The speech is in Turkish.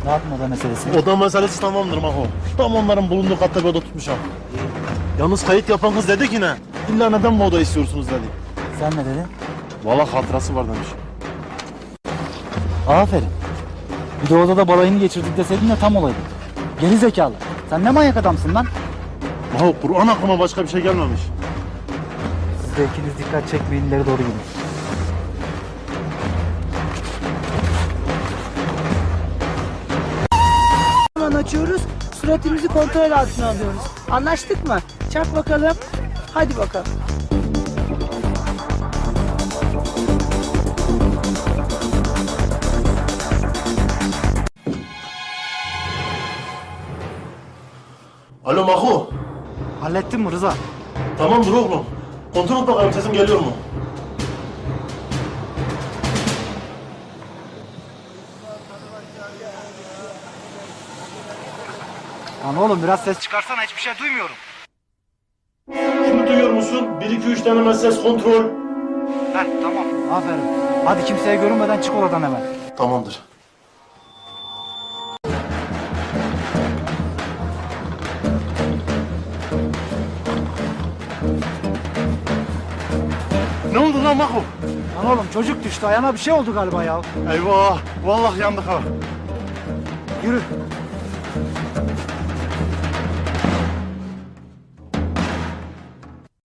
Rahat mı oda meselesi? Oda meselesi tamamdır Maho. Tam onların bulunduğu katta bir oda tutmuşam. Yalnız kayıt yapan kız dedi ki ne? İlla neden bu oda istiyorsunuz dedi. Sen ne dedin? Valla hatırası var demiş. Aferin. Bir de odada balayını geçirdik deseydin de tam olaydı. Geri zekalı. Sen ne manyak adamsın lan? Maho Kur'an aklıma başka bir şey gelmemiş. Siz de ikiniz dikkat çekmeyin, ileri doğru gidin. Hemen açıyoruz. Suratımızı kontrol altına alıyoruz. Anlaştık mı? Çak bakalım. Hadi bakalım. Alo Maho. Hallettin mi Rıza? Tamamdır oğlum. Kontrol et bakalım sesim geliyor mu? Lan oğlum biraz ses çıkarsana, hiçbir şey duymuyorum. Şimdi duyuyor musun? 1-2-3 deneme ses kontrol. Heh, tamam. Aferin. Hadi kimseye görünmeden çık oradan hemen. Tamamdır. Ne oldu lan Maho? Lan oğlum çocuk düştü, ayağına bir şey oldu galiba ya. Eyvah! Vallahi yandık ha. Yürü.